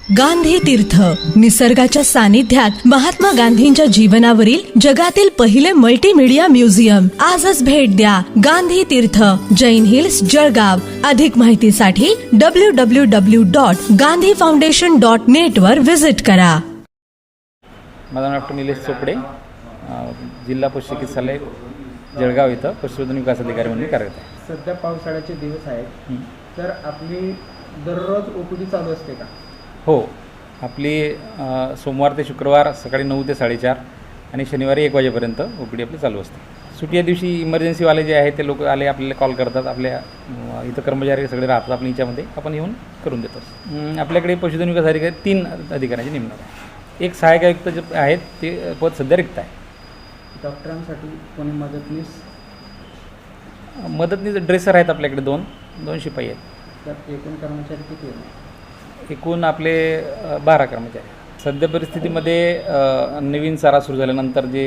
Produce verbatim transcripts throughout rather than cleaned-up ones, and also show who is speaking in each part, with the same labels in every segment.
Speaker 1: गांधी तीर्थ, निसर्गाच्या सानिध्यात महात्मा गांधींच्या जीवनावरील जगातील पहिले मल्टीमीडिया म्युझियम. आजच भेट द्या. गांधी तीर्थ, जैन हिल्स, जळगाव. अधिक माहितीसाठी W W W dot Gandhi foundation dot net वर व्हिजिट करा.
Speaker 2: माझं नाव डॉक्टर निलेश चोपडे, जिल्हा पशु चिकित्सालय जळगाव इथं पशुधन विकास अधिकारी म्हणून कार्यरत आहे.
Speaker 3: सध्या पावसाळ्याचे दिवस आहेत, तर आपली दररोज ओपीडी चालू असते का?
Speaker 2: हो, आपली सोमवार ते शुक्रवार सकाळी नऊ ते साडेचार आणि शनिवारी एक वाजेपर्यंत ओ पी डी आपली चालू असते. सुट्टी या दिवशी इमर्जन्सीवाले जे आहेत ते लोक आले आपल्याला कॉल करतात. आपल्या इथं कर्मचारी सगळे राहतात आपण याच्यामध्ये, आपण येऊन करून देतो. आपल्याकडे पशुधन विकास अधिकारी तीन अधिकाऱ्यांची नेमणूक आहे. एक सहाय्यक आयुक्त जे आहेत ते पद सध्या रिक्त आहे.
Speaker 3: डॉक्टरांसाठी कोणी मदतनीस
Speaker 2: मदतनीस ड्रेसर आहेत आपल्याकडे, दोन दोन शिपाई आहेत.
Speaker 3: तर एकूण कर्मचारी किती आहेत?
Speaker 2: एकूण आपले बारा कर्मचारी. सध्या परिस्थितीमध्ये नवीन चारा सुरू झाल्यानंतर जे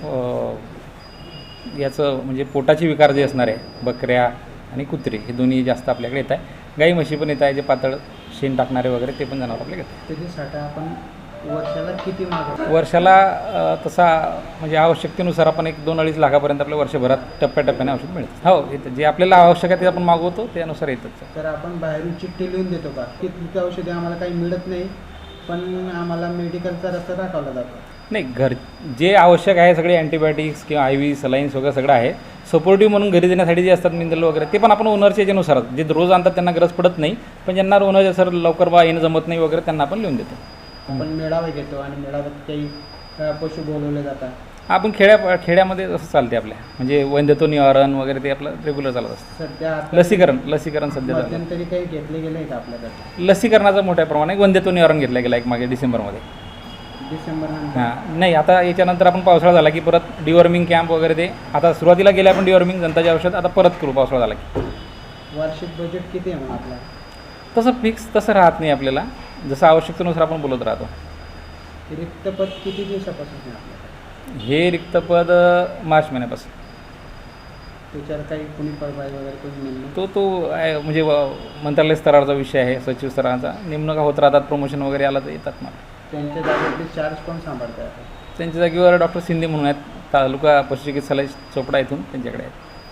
Speaker 2: याचं म्हणजे पोटाचे विकार जे असणार आहे, बकऱ्या आणि कुत्रे हे दोन्ही जास्त आपल्याकडे येत आहे. गाई म्हशी पण येत आहे, जे पातळ शेण टाकणारे वगैरे ते पण जनावर आपल्याकडे येतात.
Speaker 3: त्याची साठा आपण वर्षाला किती मागवतो?
Speaker 2: वर्षाला तसा म्हणजे आवश्यकतेनुसार आपण एक दोन अडीच लाखापर्यंत आपल्या वर्षभरात टप्प्याटप्प्याने औषध मिळतं. हो, येतं. जे आपल्याला आवश्यक आहे ते आपण मागवतो, त्यानुसार येतच.
Speaker 3: तर आपण बाहेरून चिठ्ठी लिहून देतो का की तिथे औषधे आम्हाला काही मिळत नाही, पण आम्हाला मेडिकलचा रस्ता दाखवला जातो?
Speaker 2: नाही, घर जे आवश्यक आहे सगळे अँटीबायोटिक्स किंवा आय व्ही सलाईन्स वगैरे सगळं आहे. सपोर्टिव्ह म्हणून घरी देण्यासाठी जे असतात मिनरल वगैरे ते पण आपण ओनरच्या याच्यानुसार, जे रोज आणतात त्यांना गरज पडत नाही, पण ज्यांना ओनरच्या सर लवकर बा येणं जमत नाही वगैरे त्यांना आपण लिहून देतो.
Speaker 3: आपण मेळावे घेतो आणि मेळाव्यात काही पशु बोलवले जातात.
Speaker 2: आपण खेड्या खेड्यामध्ये असं चालते आपल्या, म्हणजे वैद्यत्व निवारण वगैरे ते आपलं रेग्युलर चालत असतं.
Speaker 3: सध्या
Speaker 2: लसीकरण लसीकरण सध्या चालतं.
Speaker 3: मध्यंतरी काही घेतले गेले आहे का आपल्याकडे?
Speaker 2: लसीकरणाचं मोठ्या प्रमाणात वैद्यत्व निवारण घेतलं गेलं एक मागे डिसेंबरमध्ये.
Speaker 3: डिसेंबर
Speaker 2: हां, नाही आता याच्यानंतर आपण पावसाळा झाला की परत डिवॉर्मिंग कॅम्प वगैरे ते आता सुरुवातीला गेले आपण डिवॉर्मिंग जनताचे औषध, आता परत करू पावसाळा झाला की.
Speaker 3: वार्षिक बजेट किती आहे मग आपलं?
Speaker 2: तसं फिक्स तसं राहत नाही आपल्याला, जसं आवश्यकतेनुसार आपण बोलत राहतो.
Speaker 3: रिक्त पद किती दिवसापासून आहे आपल्याकडे?
Speaker 2: हे रिक्त पद मार्च महिन्यापासून.
Speaker 3: त्याच्यावर काही कुणी पदभार वगैरे कोणी नेमणूक?
Speaker 2: तो तो आहे म्हणजे मंत्रालय स्तरावरचा विषय आहे, सचिव स्तराचा. नेमणुका होत राहतात, प्रमोशन वगैरे आला तर येतात मला.
Speaker 3: त्यांच्या जागेवरती चार्ज कोण सांभाळतात?
Speaker 2: त्यांच्या जागेवर डॉक्टर शिंदे म्हणून आहेत, तालुका पशुचिकित्सालय चोपडा इथून त्यांच्याकडे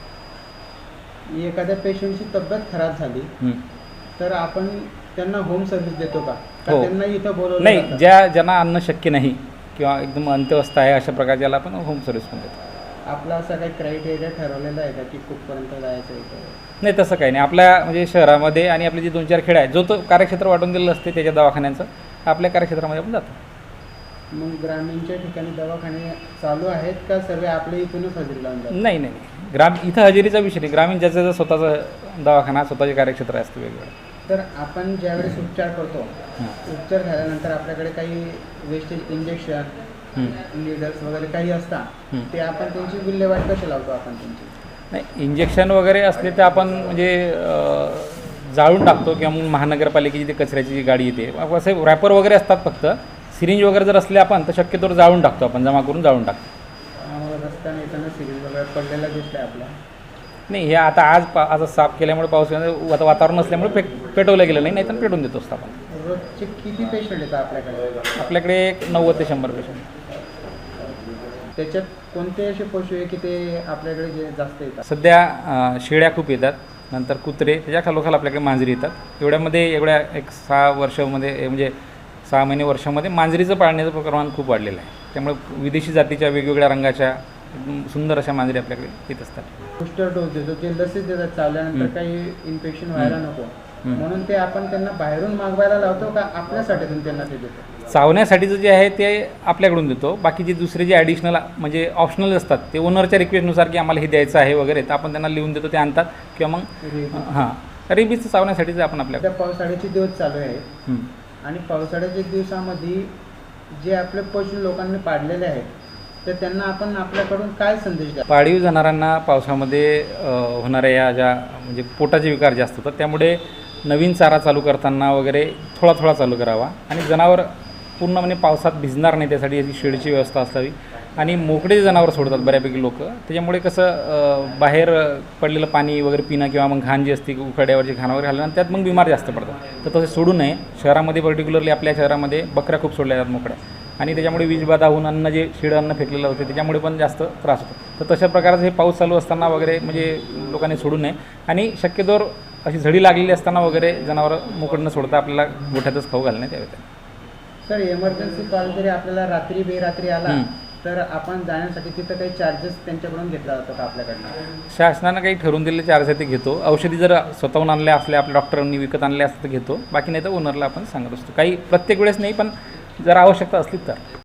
Speaker 2: आहेत.
Speaker 3: एखाद्या पेशंटची तब्येत खराब झाली तर आपण त्यांना होम सर्व्हिस देतो का?
Speaker 2: हो.
Speaker 3: त्यांना इथं बोलवलं
Speaker 2: नाही,
Speaker 3: जातं?
Speaker 2: ज्या ज्यांना आणणं शक्य नाही किंवा एकदम अंत्यवस्था आहे अशा प्रकारच्याला आपण होम सर्व्हिस पण देतो.
Speaker 3: आपला असा काही क्रायटेरिया ठरवलेला आहे का की कुठपर्यंत जायचं इथं?
Speaker 2: नाही, तसं काही नाही. आपल्या म्हणजे शहरामध्ये आणि आपले जे दोन चार खेडे आहेत, जो तो कार्यक्षेत्र वाटून दिलेलं असते त्याच्या दवाखान्यांचं, आपल्या कार्यक्षेत्रामध्ये आपण जातो.
Speaker 3: मग ग्रामीणच्या ठिकाणी दवाखाने चालू आहेत का सर्व आपल्या इथूनच हजेरी लावून जातात?
Speaker 2: नाही नाही ग्राम इथं हजेरीचा विषय नाही. ग्रामीण ज्याचं स्वतःचं दवाखाना, स्वतःचे कार्यक्षेत्र असतं वेगवेगळं.
Speaker 3: तर आपण ज्यावेळेस उपचार करतो, उपचार झाल्यानंतर आपल्याकडे काही वेस्टेज इंजेक्शन नीडल्स वगैरे काही असतात, ते आपण त्यांची विल्हेवाट कशी लावतो आपण त्यांची?
Speaker 2: नाही, इंजेक्शन वगैरे असले तर आपण म्हणजे जाळून टाकतो किंवा मग महानगरपालिकेची ती कचऱ्याची जी गाडी येते, असे रॅपर वगैरे असतात. फक्त सिरिंज वगैरे जर असले आपण तर शक्यतोवर जाळून टाकतो, आपण जमा करून जाळून टाकतो.
Speaker 3: रस्त्याने येताना सिरिंज वगैरे पडलेला दिसलं आपल्या?
Speaker 2: नाही, हे आता आज पा आज साफ केल्यामुळे पाऊस आता वातावरण असल्यामुळे पे पेटवलं गेलं नाही, नाही तर पेटवून देतो असतो आपण.
Speaker 3: रोजचे किती पेशंट येतात आपल्याकडे?
Speaker 2: आपल्याकडे एक नव्वद ते शंभर पेशंट.
Speaker 3: त्याच्यात कोणते असे पशु आहे की ते आपल्याकडे जे जास्त येतात?
Speaker 2: सध्या शेळ्या खूप येतात, नंतर कुत्रे, त्याच्या खालोखाल आपल्याकडे मांजरी येतात. एवढ्यामध्ये एवढ्या एक सहा वर्षामध्ये म्हणजे सहा महिने वर्षामध्ये मांजरीचं पाळण्याचं प्रमाण खूप वाढलेलं आहे. त्यामुळे विदेशी जातीच्या वेगवेगळ्या रंगाच्या सुंदर अशा मांजरी आपल्याकडे येत असतात.
Speaker 3: बूस्टर डोस देतो, ते लसीच देतात चावल्यानंतर काही इन्फेक्शन व्हायला नको म्हणून, ते आपण त्यांना बाहेरून मागवायला लावतो का आपल्यासाठीतून त्यांना ते देतो?
Speaker 2: चावण्यासाठीचं जे आहे ते आपल्याकडून देतो. बाकी जे दुसरे जे ॲडिशनल म्हणजे ऑप्शनल असतात ते ओनरच्या रिक्वेस्टनुसार की आम्हाला हे द्यायचं आहे वगैरे, तर आपण त्यांना लिहून देतो, ते आणतात. किंवा मग हां, रेबीजचं चावण्यासाठीचं आपण आपल्या
Speaker 3: पावसाळ्याचे दिवस चालू आहेत आणि पावसाळ्याच्या दिवसामध्ये जे आपले पशु लोकांनी पाडलेले आहेत तर त्यांना आपण आपल्याकडून काय संदेश द्या?
Speaker 2: पाळीव जनावरांना पावसामध्ये होणाऱ्या या ज्या म्हणजे पोटाचे विकार जास्त होतात, त्यामुळे नवीन चारा चालू करताना वगैरे थोडा थोडा चालू करावा आणि जनावर पूर्ण म्हणजे पावसात भिजणार नाही त्यासाठी याची शेडची व्यवस्था असावी. आणि मोकळे जे जनावर सोडतात बऱ्यापैकी लोक, त्याच्यामुळे कसं अ, बाहेर पडलेलं पाणी वगैरे पिणं किंवा मग घाण जी असते उखाड्यावरची घाण वगैरे घालणं त्यात मग बिमार जास्त पडतात. तर तसे सोडू नये. शहरामध्ये पर्टिक्युलरली आपल्या शहरामध्ये बकऱ्या खूप सोडल्या जातात मोकळ्या आणि त्याच्यामुळे वीजबाधा होऊन अन्न जे शिळं अन्न फेकलेलं होते त्याच्यामुळे पण जास्त त्रास होतो. तर तशा प्रकारचं हे पाऊस चालू असताना वगैरे म्हणजे लोकांनी सोडू नये आणि शक्यतोवर अशी झडी लागलेली असताना वगैरे जनावरं मोकळं न सोडता आपल्याला गोठ्यातच खाऊ घालण्यात यावेत.
Speaker 3: सर इमर्जन्सी कॉल जरी आपल्याला रात्री बेरात्री आला
Speaker 2: हं.
Speaker 3: तर आपण जाण्यासाठी तिथं काही चार्जेस त्यांच्याकडून घेतला जातो का आपल्याकडनं?
Speaker 2: शासनानं काही ठरवून दिलेले चार्ज आहे ते घेतो. औषधी जर स्वतःहून आणल्या असल्या आपल्या डॉक्टरांनी विकत आणल्या असतं तर घेतो, बाकी नाही तर ओनरला आपण सांगत असतो. काही प्रत्येक वेळेस नाही, पण जर आवश्यकता असली तर.